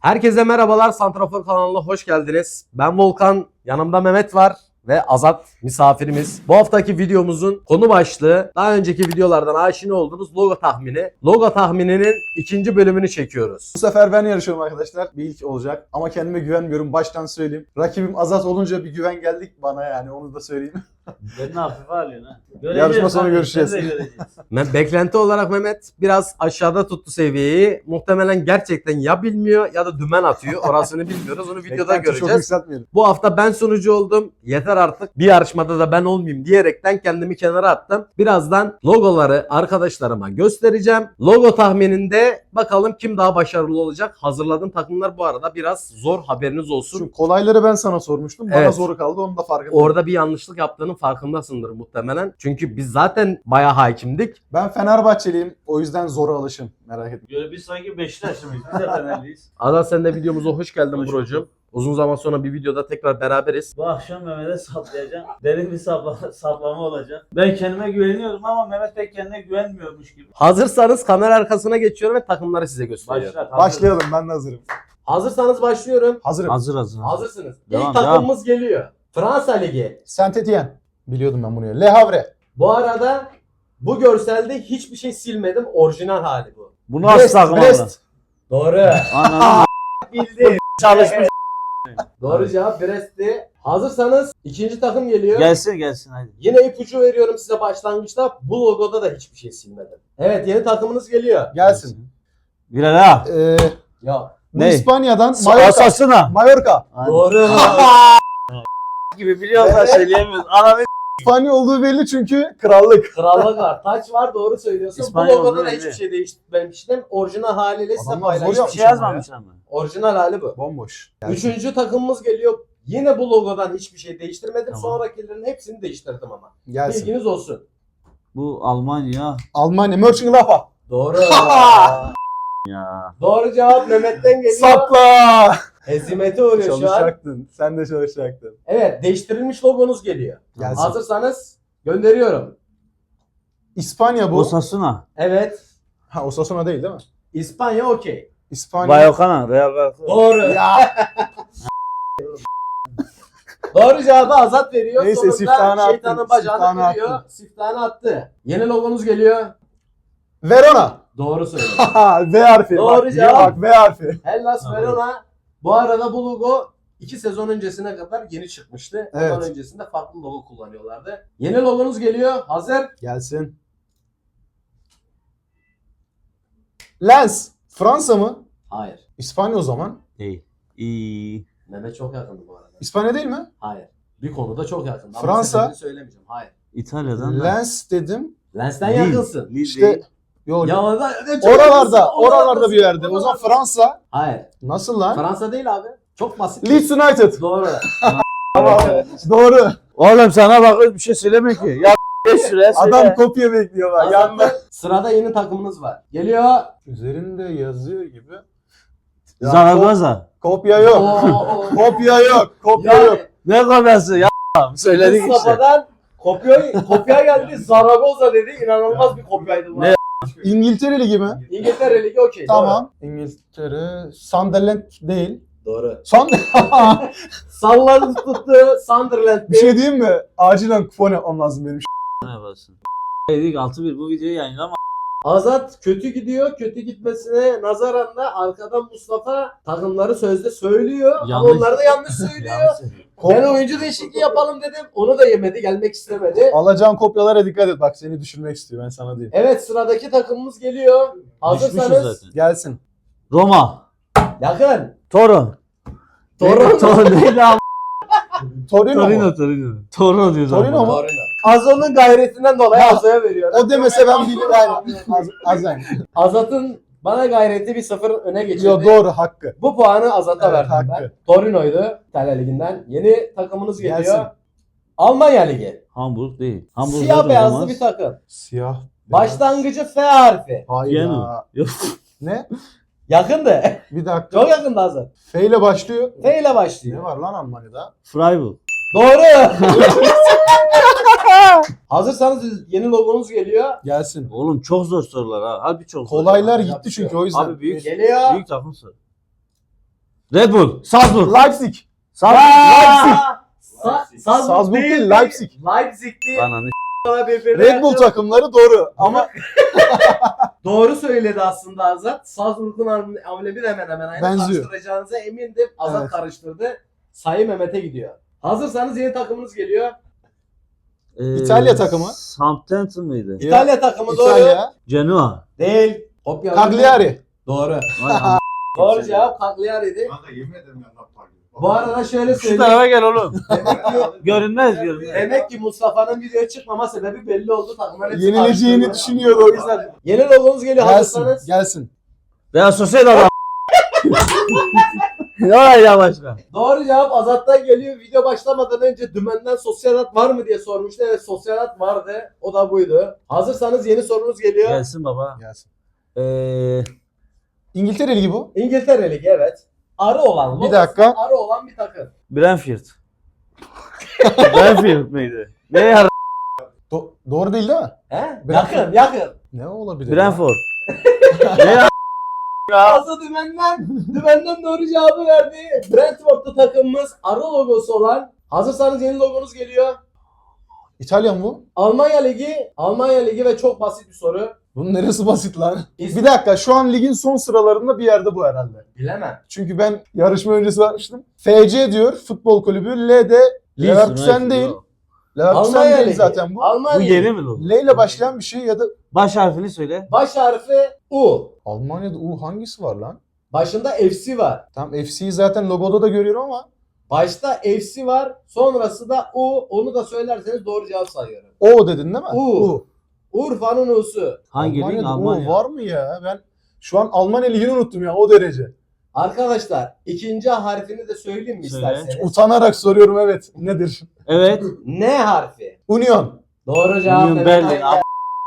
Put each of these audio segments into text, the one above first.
Herkese merhabalar, Santrafor kanalına hoş geldiniz. Ben Volkan, yanımda Mehmet var ve Azat misafirimiz. Bu haftaki videomuzun konu başlığı, daha önceki videolardan aşina olduğunuz logo tahmini. Logo tahmininin ikinci bölümünü çekiyoruz. Bu sefer ben yarışıyorum arkadaşlar. Bir ilk olacak. Ama kendime güvenmiyorum. Baştan söyleyeyim. Rakibim Azat olunca bir güven geldik bana yani. Onu da söyleyeyim. Beni hafife alıyorsun ha. Yarışma sonu görüşeceğiz. Beklenti olarak Mehmet biraz aşağıda tuttu seviyeyi. Muhtemelen gerçekten ya bilmiyor ya da dümen atıyor. Orasını bilmiyoruz. Onu videoda Beklenti çok göreceğiz. yükseltmeyelim. Bu hafta ben sunucu oldum. Yeter artık. Bir yarışmada da ben olmayayım diyerekten kendimi kenara attım. Birazdan logoları arkadaşlarıma göstereceğim. Logo tahmininde bakalım kim daha başarılı olacak. Hazırladığım takımlar bu arada biraz zor, haberiniz olsun. Şu kolayları ben sana sormuştum. Bana Evet. zoru kaldı. Onun da farkındayım. Orada bir yanlışlık yaptığının farkındasındır muhtemelen. Çünkü biz zaten bayağı hakimdik. Ben Fenerbahçeliyim. O yüzden zora alışın. Merak etme. Böyle biz sanki Beşiktaşlı mıyız? Biz de Fenerliyiz. Azat sen de videomuza hoş geldin Hoş brocum. Uzun zaman sonra bir videoda tekrar beraberiz. Bu akşam Mehmet'e saplayacağım. Derin bir saplama olacak. Ben kendime güveniyorum ama Mehmet pek kendine güvenmiyormuş gibi. Hazırsanız kamera arkasına geçiyorum ve takımları size gösteriyorum. Başla. Başlayalım. Ben de hazırım. Hazırsanız başlıyorum. Hazırım. Hazır. Hazırsınız. Devam, İlk takımımız geliyor. Fransa Ligi. Saint-Étienne. Biliyordum ben bunu ya. Le Havre. Bu arada bu görselde hiçbir şey silmedim. Orijinal hali bu. Bu Brest. Brest. Doğru. Anladım. Bildi. Çalışmış. Doğru cevap Brest'ti. Hazırsanız ikinci takım geliyor. Gelsin hadi. Yine ipucu veriyorum size başlangıçta. Bu logoda da hiçbir şey silmedim. Evet, yeni takımınız geliyor. Gelsin. Bilal ha. Ya. Bu Ne? İspanya'dan Mallorca. Asasına. Mallorca. Doğru. Gibi biliyorum da söyleyemiyoruz. Ananı İspanya olduğu belli çünkü krallık. Krallık var. Taç var, doğru söylüyorsun. İspanyol Bu logoda da değil hiçbir mi? şey değiştirmemiştim. Orijinal haliyle size Adamlar zor paylaştım. bir şey yazmamış ama. Orijinal hali bu. Bomboş. Üçüncü takımımız geliyor. Yine bu logodan hiçbir şey değiştirmedim. Tamam. Sonrakilerin hepsini değiştirdim ama. Gelsin. Bilginiz olsun. Bu Almanya. Almanya. Mönchengladbach. Doğru. Ya. Doğru cevap Mehmet'ten geliyor. Sapla. Hezimete uğruyor şu an. Çalışacaktın. Sen de çalışacaktın. Evet, değiştirilmiş logonuz geliyor. Gelsin. Hazırsanız gönderiyorum. İspanya bu. Osasuna. Evet. Ha, Osasuna değil mi? İspanya okey. İspanya. Bayokana. Real Bayokana. Doğru. Ya. Doğru cevabı Azat veriyor. Neyse, Sonunda siftahını attın. şeytanın bacağını Siftahını kırıyor. attın. Siftahını attı. Yeni logonuz geliyor. Verona. Doğru söylüyor. V harfi. Doğru bak, cevap. Bak V harfi. Hellas Tamam. Verona. Bu arada bu logo 2 sezon öncesine kadar yeni çıkmıştı. Evet. Ondan öncesinde farklı logo kullanıyorlardı. Yeni logonuz geliyor. Hazır. Gelsin. Lens. Fransa mı? Hayır. İspanya o zaman. Değil. İyi. Mehmet çok yakındı bu arada. İspanya değil mi? Hayır. Bir konuda çok yakındı. Ama Fransa. sebebini söylemeyeceğim. Hayır. İtalya'dan da. Lens dedim. Lens'ten Lille. yakınsın. Lille İşte değil. yok. Ya da, Oralarda bir yerde. O zaman Fransa. Hayır. Nasıl lan? Fransa değil abi. Çok basit. Leeds United. Doğru. Doğru. Oğlum sana bak bir şey söyleme ki. Ya geç şuraya söyle. Adam kopya bekliyor bak. Yanında. Azat'ta sırada yeni takımınız var. Geliyor. Üzerinde yazıyor gibi. Ya, Zaragoza. Kopya yok. Oo. Kopya yok. Kopya yok. Ne kopyası ya? Söyledik işte. Mustafa'dan kopya geldi. Zaragoza dedi. İnanılmaz bir kopyaydı bu. Ne? İngiltere Ligi mi? İngiltere Ligi okey. Tamam. İngiltere. Sunderland değil. Doğru. Son. Salladı tuttu. Sunderland. Bir şey diyeyim mi? Acilen kupon yapmam lazım benim. Ne yapasın? Dedik 6-1 bu videoyu yayınlama. Azat kötü gidiyor. Kötü gitmesine nazaran da arkadan Mustafa takımları sözde söylüyor. Ama Yanlış. onlar da yanlış söylüyor. Ben oyuncu değişikliği yapalım dedim. Onu da yemedi. Gelmek istemedi. Alacağın kopyalara dikkat et. Bak seni düşürmek istiyor. Ben sana diyeyim. Evet, sıradaki takımımız geliyor. Düşmüşüz Hazırsanız zaten. Gelsin. Roma. yakın. Toro. Torino. Değil abi. Torino mu? Toro diyoruz. Torino ama. mu? Torino. Azo'nun gayretinden dolayı Azo'ya veriyorum. O demese ben bilirim. Azen. Azat'ın bana gayreti bir 0 öne geçirdi. Yo, doğru hakkı. Bu puanı Azat'a Evet, verdim ben. hakkı. Torino'ydu İtalya Ligi'nden. Yeni takımınız geliyor. Gelsin. Almanya Ligi. Hamburg değil. Hamburg Siyah zaten beyazlı olmaz. bir takım. Siyah. Başlangıcı F harfi. Hayır. Viyana. Yok. Ne? Yakındı. Bir dakika. Çok yakındı Azat. F ile başlıyor. F ile Ne başlıyor. var lan Almanya'da? Freiburg. Doğru. Hazırsanız yeni logonuz geliyor. Gelsin. Oğlum çok zor sorular ha. Harbi çok zor. Kolaylar Abi, gitti yapıyor. çünkü o yüzden. Abi büyük Geliyor. büyük takım sor. Red Bull. Salzburg. Leipzig. Salzburg. Salzburg değil, Leipzig. Leipzig'ti. Ananı Red Bull takımları doğru ama Doğru söyledi aslında Azat. Salzburg'un amblemi de hemen hemen aynı. Benziyor. Karıştıracağınıza emindim. Azat Evet. karıştırdı. Sayı Mehmet'e gidiyor. Hazırsanız yeni takımınız geliyor. İtalya takımı. Southampton mıydı? İtalya takımı doğru. İtalya. Genoa. Değil. Kopya. Cagliari. Doğru. Vay am- Doğru cevap Cagliari'ydi. Kanka yemin ederim ya napar gibi. Bu arada şöyle Şu söyleyeyim. tarafa gel oğlum. Demek ki, Görünmez görünmez. demek ki Mustafa'nın videoya çıkmama sebebi belli oldu. Takımlar hepsi Yenileceğini karıştırdı. düşünüyordu o yüzden. Yeni logomuz geliyor. Gelsin. Hazırsanız. Gelsin. Real Sociedad. Ya başla. Doğru cevap Azat'tan geliyor. Video başlamadan önce dümenden Sosyalat var mı diye sormuştu. Evet, Sosyalat vardı. O da buydu. Hazırsanız yeni sorunuz geliyor. Gelsin baba. Gelsin. Ee, İngiltere Ligi bu. İngiltere Ligi, evet. Arı olan. Bir dakika. Arı olan bir takım. Brentford. Brentford mıydı? Ne ya? Doğru değil mi? He? Brentford. Yakın. Ne olabilir? ya? Brentford. Ne ya? Fazla dümenden doğru cevabı verdi. Brentford'da takımımız arı logosu olan. Hazırsanız yeni logonuz geliyor. İtalyan bu. Almanya Ligi ve çok basit bir soru. Bunun neresi basit lan? İs- Bir dakika, şu an ligin son sıralarında bir yerde bu herhalde. Bilemem. Çünkü ben yarışma öncesi bakmıştım. FC diyor futbol kulübü. L'de Leverkusen değil. Leverkusen Almanya değil Ligi. zaten bu. Almanya Bu Ligi. yeni mi lan? L ile başlayan bir şey ya da Baş harfini söyle. Baş harfi U. Almanya'da hangisi var lan? Başında FC var. Tam FC'yi zaten logoda da görüyorum ama Başta FC var. Sonrası da U. Onu da söylerseniz doğru cevap sayıyorum. O dedin değil mi? U. Urfa'nın U'su. Hangi lig? Almanya'da Almanya. O var mı ya? Ben şu an Almanya ligini unuttum ya, o derece. Arkadaşlar ikinci harfini de söyleyeyim mi Söyle. isterseniz? Utanarak soruyorum, evet. Nedir? Evet. N harfi. Union. Doğru cevap. Union Mehmet Berlin. Ali.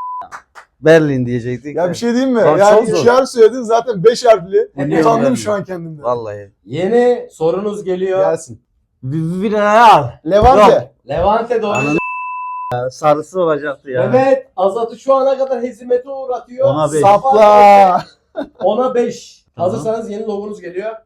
Berlin diyecektik. Ya bir şey diyeyim mi? Bak, Yani çok zor. 3 harf söyledin zaten 5 harfli. Union Utandım Berlin. şu an kendimden. Vallahi. Yeni sorunuz geliyor. Gelsin. Villarreal. Levante. Levante doğru. Ananı sarısı olacaktı ya. Evet. Azat'ı şu ana kadar hezimete uğratıyor. Ona beş. Sapla. Ona 5. Tamam. Hazırsanız yeni logonuz geliyor.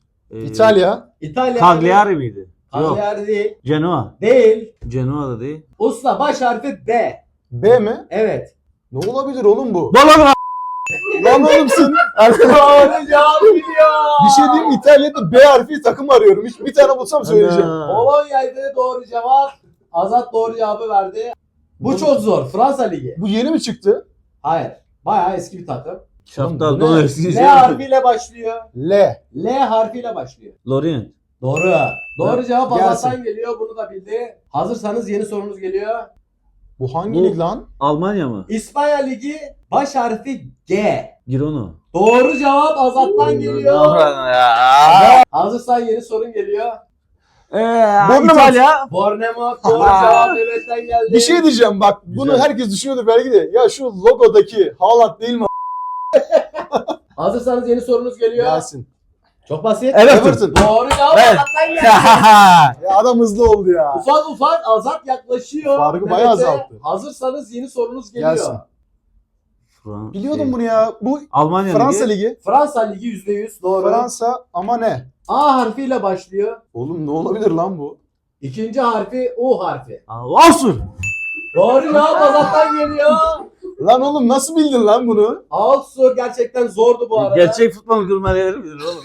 İtalya. İtalya. Cagliari miydi? Yok. Cagliari değil. Genoa. Değil. Genoa da değil. Usta baş harfi B. B mi? Evet. Ne olabilir oğlum bu? Bologna. Lan oğlum sen. Doğru cevap biliyor. Bir şey diyeyim mi? İtalya'da B harfi takım arıyorum. Hiç bir tane bulsam söyleyeceğim. Polonya'ydı doğru cevap. Azat doğru cevabı verdi. Bu çok zor. Fransa Ligi. Bu yeni mi çıktı? Hayır. Bayağı eski bir takım. Şaptal Bu ne? dolayısıyla. L harfiyle başlıyor. L. L harfiyle başlıyor. Lorient. Doğru. Doğru Evet. cevap Gelsin. Azat'tan geliyor. Bunu da bildi. Hazırsanız yeni sorunuz geliyor. Bu hangi Bu- lig lan? Almanya mı? İspanya Ligi baş harfi G. Girona. Doğru cevap Azat'tan geliyor. Ya. Hazırsan yeni sorun geliyor. Bournemouth. İtalya. Bournemouth doğru cevap Mehmet'ten geldi. Bir şey diyeceğim bak. Bunu Güzel. herkes düşünüyordur belki de. Ya şu logodaki Haaland değil mi? Hazırsanız yeni sorunuz geliyor. Gelsin. Çok basit. Everton. Doğru cevap Evet. Azat'tan geldi. Ya adam hızlı oldu ya. Ufak Azat yaklaşıyor. Farkı Mehmet'e. bayağı azalttı. Hazırsanız yeni sorunuz geliyor. Gelsin. Biliyordum bunu ya. Bu Almanya Fransa Ligi. Ligi. Fransa Ligi %100 doğru. Fransa ama ne? A harfiyle başlıyor. Oğlum ne olabilir lan bu? İkinci harfi U harfi. Olsun. Doğru cevap Azat'tan geliyor. Lan oğlum nasıl bildin lan bunu? Altsu gerçekten zordu bu arada. Gerçek futbol gurmeleri bilir oğlum.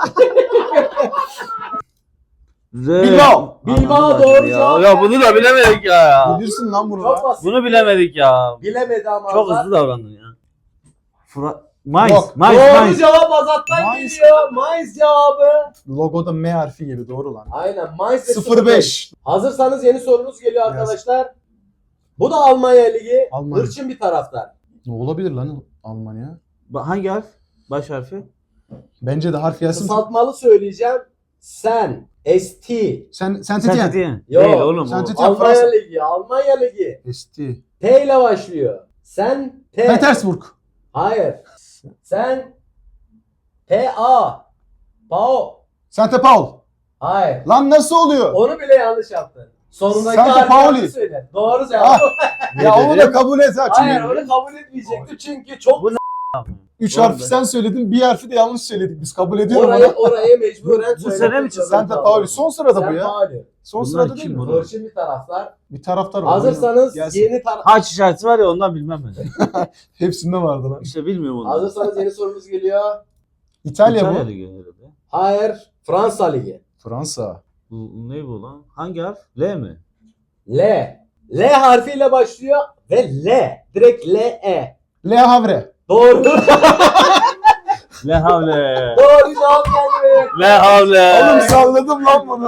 Bilbao. Bilbao doğru cevap. Ya bunu da bilemedik ya. Bilirsin lan bunu. Çok lan. basit. Bunu bilemedik ya. Bilemedi ama Çok Azat. hızlı davrandın ya. Mainz. Yok. Mainz. Doğru Mainz. cevap Azat'tan Mainz. geliyor. Mainz cevabı. Logoda M harfi gibi doğru lan. Aynen Mainz ve 05. Hazırsanız yeni sorunuz geliyor Gelsin. arkadaşlar. Bu da Almanya Ligi. Almanya. Hırçın bir taraftar. Ne olabilir lan Almanya? Hangi harf? Baş harfi? Bence de harf gelsin. Kısaltmalı söyleyeceğim. Sen. ST. Sen Saint-Étienne. Yok. Değil oğlum o. Saint-Étienne. Almanya Fransa. Ligi. Almanya Ligi. ST. T ile başlıyor. Sen T. Petersburg. Hayır. Sen P-A. Pao. Sante Paul. Hayır. Lan nasıl oluyor? Onu bile yanlış yaptın. Sonundaki Santa harfi Pauli. yanlış söyle. Doğru cevap. Ya onu da kabul et ha. Hayır Çünkü onu kabul etmeyecekti çünkü çok Bu 3 Vallahi. harfi sen söyledin, bir harfi de yanlış söyledik. Biz kabul ediyorum Orayı mecburen Bu sene mi söylemek çıktı? zorunda Sen de Pauli. kaldım. Son sırada Sen bu ya. Pauli. Son Bunlar sırada kim değil mi? bunlar? Hırçın bir taraftar. Bir taraftar var. Hazırsanız Gelsin. yeni Haç işareti var ya ondan bilmem ben. Hepsinde vardı lan. İşte bilmiyorum onu. Hazırsanız yeni sorumuz geliyor. İtalya bu. Ligi herhalde. Hayır. Fransa Ligi. Fransa. Bu ne bu lan? Hangi harf? L mi? L. L harfiyle başlıyor ve L. Direkt L E. Le Havre. Doğru. Le havle. Doğru cevap geldi. Le havle. Oğlum salladım lan bunu.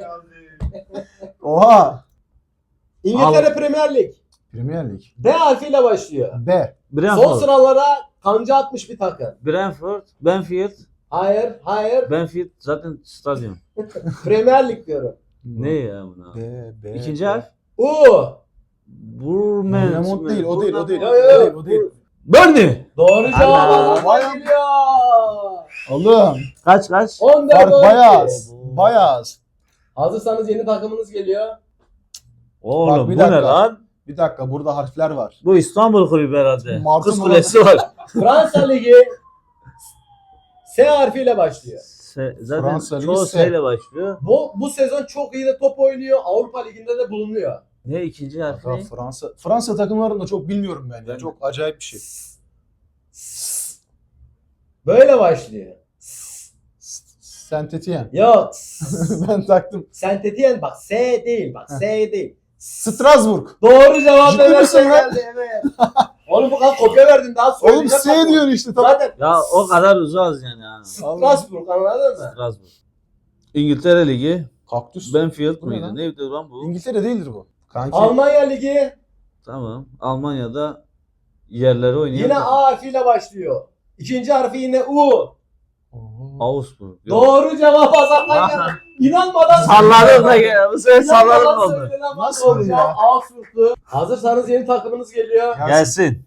Oha. İngiltere Premier Lig. Premier Lig. B harfiyle başlıyor. B. Son Brentford. sıralara kanca atmış bir takım. Brentford. Benfield. Hayır. Benfield zaten stadyum. Premier Lig diyorum. Ne ya buna? B. İkinci harf. U. Bournemouth. Bournemouth değil, o değil, o değil. Yo, yo, yo. O değil. Burnley. Doğru cevap Ana. Hasan geliyor. Oğlum. Kaç? 14 Fark 12. bayağı az. Bayağı az. Hazırsanız yeni takımınız geliyor. Oğlum Bak, bir bu ne dakika. lan? Bir dakika, burada harfler var. Bu İstanbul kulübü herhalde. Martın Kız mı kulesi var. Fransa Ligi S harfiyle başlıyor. Zaten Fransa Ligi çoğu S. S ile başlıyor. Bu sezon çok iyi de top oynuyor. Avrupa Ligi'nde de bulunuyor. Ne ikinci harfi? Ya Fransa takımlarını da çok bilmiyorum ben ya. Ben- Çok acayip bir şey. Böyle başlıyor. Saint Etienne. Yok. Ben taktım. Saint Etienne bak S değil. Bak S değil. Strasbourg. Doğru cevap Ciddi Mehmet misin Bey lan? geldi. Evet. Oğlum bu kadar kopya verdim daha Oğlum söyleyeceğim. S diyorsun işte. Tamam. Zaten Ya o kadar uzağız yani. Ha. Strasbourg anladın mı? Strasbourg. İngiltere Ligi. Kaktüs. Benfield Bu ne mıydı? lan? Neydi lan bu? İngiltere değildir bu. Kanki. Almanya Ligi Tamam. Almanya'da yerleri oynayan yine takım. A harfiyle başlıyor. İkinci harfi yine U. Oo. Augsburg. Yok. Doğru cevap Hasan'dan geldi. İnanmadan Salladım da gel. Bu sefer salladım İnanmadan oldu. söylenen bak, Nasıl doğru oldu cevap ya? Augsburg'tu. Hazırsanız yeni takımınız geliyor. Gelsin. Gelsin.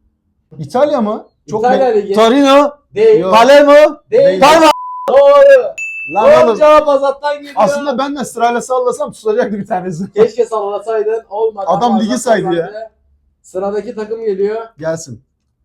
İtalya mı? Çok İtalya net. Ligi. Torino. Değil. Yok. Palermo. Değil. Parma. Doğru. Lan Doğru oğlum. cevap Azat'tan geliyor. Aslında ben de sırayla sallasam tutacaktı bir tanesi. Keşke sallasaydın. Olmadı. Adam Ama ligi Azat saydı kazandı. ya. Sıradaki takım geliyor. Gelsin.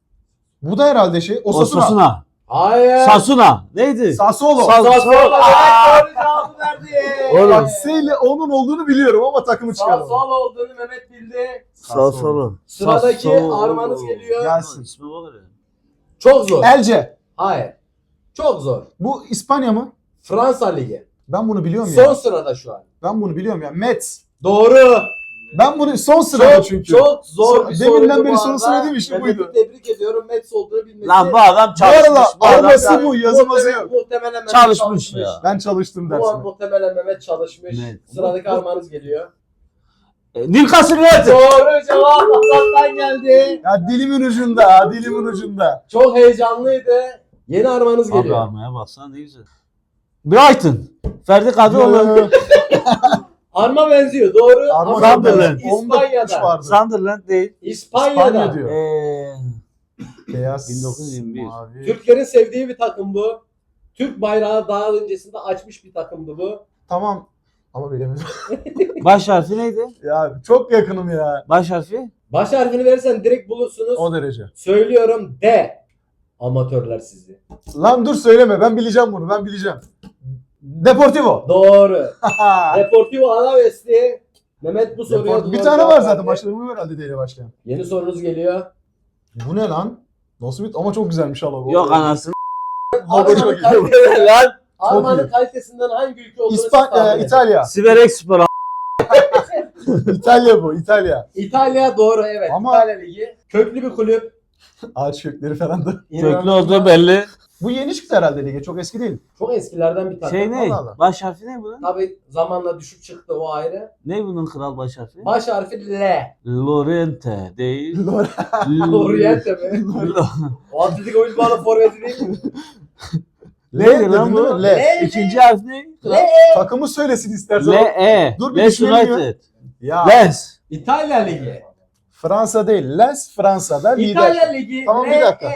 Bu da herhalde Osasuna. Osasuna. Hayır. Sasuna. Neydi? Sassuolo. Sassuolo. Aa! Doğru cevabı verdi. Oğlum. Bak S ile onun olduğunu biliyorum ama takımı çıkardım. Sassuolo olduğunu Mehmet bildi. Sassuolo. Sıradaki Sassuolo. armanız geliyor. Gelsin. İsmi var ya. Çok zor. Elce. Hayır. Çok zor. Bu İspanya mı? Fransa Ligi. Ben bunu biliyorum Son ya. sırada şu an. Ben bunu biliyorum ya. Metz. Doğru. Ben bunu son sırada çünkü. Çok zor bir soruydu Deminden beri bu son arada. söylediğim işte Mehmet'i buydu. tebrik ediyorum. Mets olduğunu bilmesi. Lan bu adam Bu çalışmış. arada Bu adam arması bu, yazılması yok. Muhtemelen Mehmet Çalışmış ya. Ben çalıştım Bu an dersine. muhtemelen Mehmet çalışmış. Evet. Sıradaki armağanız geliyor. Newcastle United. Doğru cevap Hasan'dan geldi. Ya dilimin ucunda, dilimin ucunda. Çok heyecanlıydı. Yeni armağanız Abi geliyor. armaya baksana ne güzel. Brighton. Ferdi Kadıoğlu. Yo, Arma benziyor doğru. Arma Ama Sunderland. Onda kuş İspanya'da. vardı. Sunderland değil. İspanya'da. İspanya diyor. Eee Beyaz, 1921. mavi. Türklerin sevdiği bir takım bu. Türk bayrağı daha öncesinde açmış bir takımdı bu. Tamam. Ama bilemedim. baş harfi neydi? Ya çok yakınım ya. Baş harfi? Baş harfini verirsen direkt bulursunuz. O derece. Söylüyorum D. Amatörler sizi. Lan dur söyleme, ben bileceğim bunu, ben bileceğim. Deportivo. Doğru. Deportivo Alaves'ti. Mehmet bu soruya Bir doğru tane cevap var zaten, verdi. başladı herhalde değil başlayan. Yeni sorunuz geliyor. Bu ne lan? Nasıl bir... Ama çok güzelmiş ha logo. Yok anasını. Logo çok Arma'nın iyi. kalitesinden, Lan. Arma'nın iyi. kalitesinden hangi ülke olduğunu siz tahmin edin. İtalya. Siberek Spor. İtalya bu, İtalya. İtalya doğru evet. Ama- İtalya Ligi. Köklü bir kulüp. Ağaç kökleri falan da. Köklü olduğu belli. Bu yeni çıktı herhalde lige, çok eski değil. Çok eskilerden bir takım. Şey ne? Allah Allah. Baş harfi ne bunun? Tabii zamanla düşük çıktı o ayrı. Ne bunun kral baş harfi? Baş harfi L. Lorente değil. Oriente mi? O Atletico Bilbao'nun forveti değil mi? Neydi L lan dedin bu? değil mi? L. L. İkinci harf ne? L. Takımı söylesin istersen. L-E. Dur bir Leeds düşünelim ya. United. Ya Lens. İtalya Ligi. Fransa değil. Lens Fransa'da lider. İtalya Ligi. Tamam, bir dakika.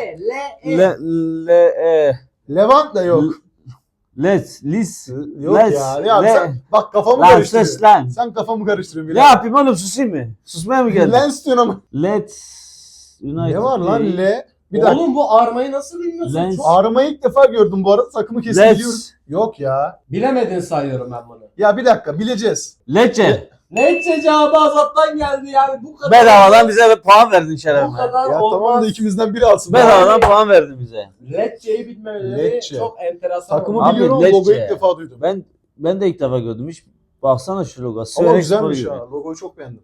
L-E. Levant da yok. Let's. Lis. Yok Lens. ya. Ya Le- sen bak kafamı Lan karıştırıyorsun. ses lan. Sen kafamı karıştırıyorsun. Ne yapayım oğlum susayım mı? Susmaya mı geldin? Lens diyorsun ama. Let's United Ne var lan değil. L? Bir dakika. Oğlum bu armayı nasıl bilmiyorsun? Lens. Çok... Ağrımayı ilk defa gördüm bu arada. Takımı kesin Let's. biliyorum. Yok ya. Bilemedin sayıyorum ben bunu. Ya bir dakika bileceğiz. Lecce. Lecce cevabı Azat'tan geldi yani bu kadar. Bedavadan bize puan verdin bu şerefime. kadar Ya olmaz. tamam da ikimizden biri alsın. Bedavadan puan verdin bize. Lecce'yi bilmemeleri Lecce. çok enteresan. Takımı oldu. Abi, biliyorum Lecce. logoyu ilk defa duydum. Ben de ilk defa gördüm. Hiç baksana şu logo. Ama Sürekli güzelmiş spor ha. gibi. Logoyu çok beğendim.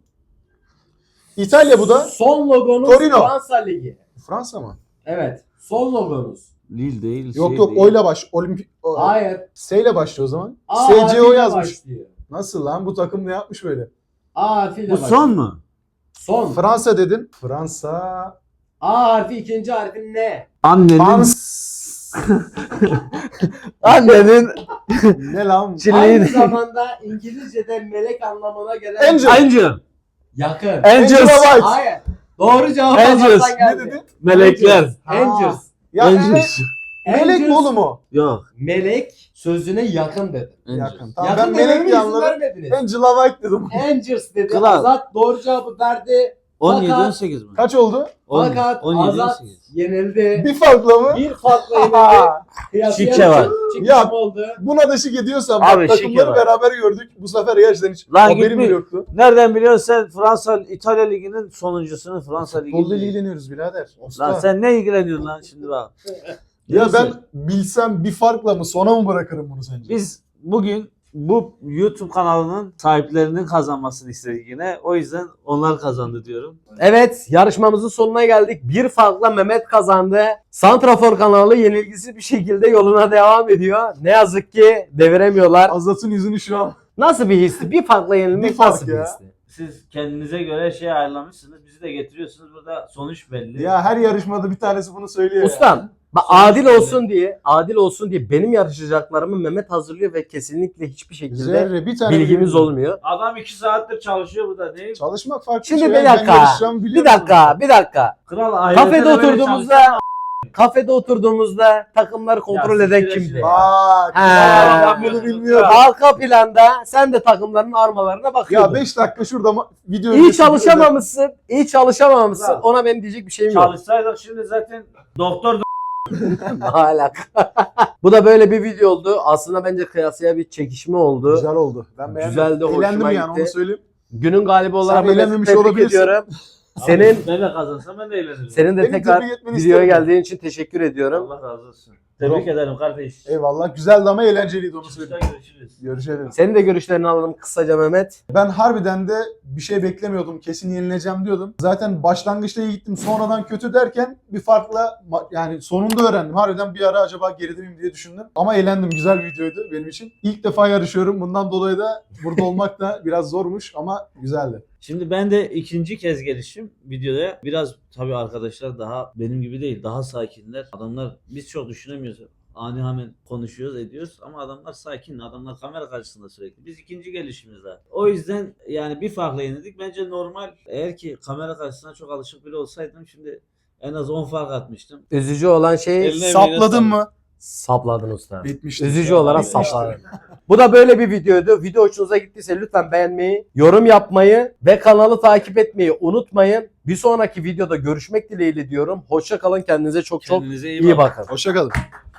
İtalya bu da. Son logonuz Torino. Fransa Ligi. Fransa mı? Evet. Son logonuz. Lille değil. Yok şey yok değil. oyla baş. Olimpik. Hayır. S ile başlıyor o zaman. A SCO harfiyle yazmış. başlıyor. Nasıl lan bu takım ne yapmış böyle? A harfiyle Bu başlıyor. son mu? Son. Fransa dedin. Fransa. A harfi ikinci harfin ne? Annenin. Fans. Annenin. Ne lan? Aynı Çileğin. zamanda İngilizce'de melek anlamına gelen Angel. Angel. yakın. Angels. Angela White. Hayır. Doğru cevap Angels. Azat'tan geldi. Ne dedi? Melekler. Angels. Ya Angels. melek Angels. mi oğlum o? Yok. Melek sözüne yakın dedi. Yakın. Tamam Yakın ben melek dememe diye izin anladım. vermediniz. Angela White dedim. Angels dedi. Kral. Azat doğru cevabı verdi. 17 Fakat- 18 mi? Kaç oldu? Fakat 17 Azat 18. yenildi. Bir farkla mı? Bir farkla yenildi. Kıyasıya Şike var. Çıkışım Ya, oldu. Buna da şık ediyorsam Abi, bak, şike takımları var. beraber gördük. Bu sefer gerçekten hiç Lan haberim gitmiş. bile yoktu. Nereden biliyorsun sen Fransa İtalya Ligi'nin sonuncusunu Fransa Futbolla Ligi'nin. ilgileniyoruz birader. Usta. Lan sen ne ilgileniyorsun lan şimdi bak. Ya Neyse. ben bilsem bir farkla mı sona mı bırakırım bunu sence? Biz bugün bu YouTube kanalının sahiplerinin kazanmasını istedik yine. O yüzden onlar kazandı diyorum. Evet, yarışmamızın sonuna geldik. Bir farkla Mehmet kazandı. Santrafor kanalı yenilgisiz bir şekilde yoluna devam ediyor. Ne yazık ki deviremiyorlar. Azat'ın yüzünü şu an. Nasıl bir histi? Bir farkla yenilmek Bir fark nasıl bir ya. histi? Siz kendinize göre şey ayarlamışsınız. Bizi de getiriyorsunuz. Burada sonuç belli. Ya her yarışmada bir tanesi bunu söylüyor ya. Ustam, bak Sonuç adil belli. adil olsun diye benim yarışacaklarımı Mehmet hazırlıyor ve kesinlikle hiçbir şekilde Zerre bir tane bilgimiz bilmiyorum. olmuyor. Adam 2 saattir çalışıyor burada. Ne? Çalışmak farklı Şimdi şey. bir Ben dakika, yarışacağımı bir biliyorum. dakika. Kral Kafede oturduğumuzda takımları kontrol Ya, eden siktir kimdi? şimdi. Bak He. ya, ben bunu bilmiyorum. Arka planda sen de takımların armalarına bakıyordun. Ya 5 dakika şurada video İyi öncesi çalışamamışsın. İyi çalışamamışsın. Bravo. Ona benim diyecek bir şeyim yok. Çalışsaydık şimdi zaten doktor Hala. Bu da böyle bir video oldu. Aslında bence kıyasıya bir çekişme oldu. Güzel oldu. Ben beğendim. Güzeldi, hoşuma Eğlendim yani gitti. onu söyleyeyim. Günün galibi olarak Sen Mehmet'i eğlenmemiş tebrik olabilirsin. ediyorum. Senin ben de kazansam ben de eğlenirim. senin de Beni tekrar tebrik etmeni videoya isterim. geldiğin için teşekkür ediyorum. Allah razı olsun. Tebrik ederim kardeş. Eyvallah. Güzeldi ama eğlenceliydi onu Çıkışta söyleyeyim. görüşürüz. Görüşelim. Senin de görüşlerini alalım kısaca Mehmet. Ben harbiden de bir şey beklemiyordum. Kesin yenileceğim diyordum. Zaten başlangıçta iyi gittim. Sonradan kötü derken bir farkla yani sonunda öğrendim. Harbiden bir ara acaba geride miyim diye düşündüm. Ama eğlendim. Güzel bir videoydu benim için. İlk defa yarışıyorum. Bundan dolayı da burada olmak da biraz zormuş ama güzeldi. Şimdi ben de ikinci kez gelişim videoda. Biraz tabii arkadaşlar daha benim gibi değil. Daha sakinler. Adamlar biz çok düşünemiyoruz. Ani hemen konuşuyoruz ediyoruz ama adamlar sakin. Adamlar kamera karşısında sürekli. Biz ikinci gelişimiz daha. O yüzden yani bir farkla yenildik. Bence normal. Eğer ki kamera karşısına çok alışık bile olsaydım şimdi en az 10 fark atmıştım. Üzücü olan şey Eline Sapladın mı? sapladın usta. Bitmişti. Üzücü olarak Bitmişti. sapladın. Bu da böyle bir videoydu. Video hoşunuza gittiyse lütfen beğenmeyi, yorum yapmayı ve kanalı takip etmeyi unutmayın. Bir sonraki videoda görüşmek dileğiyle diyorum. Hoşça kalın. Kendinize çok Kendinize iyi bakın. Hoşça kalın.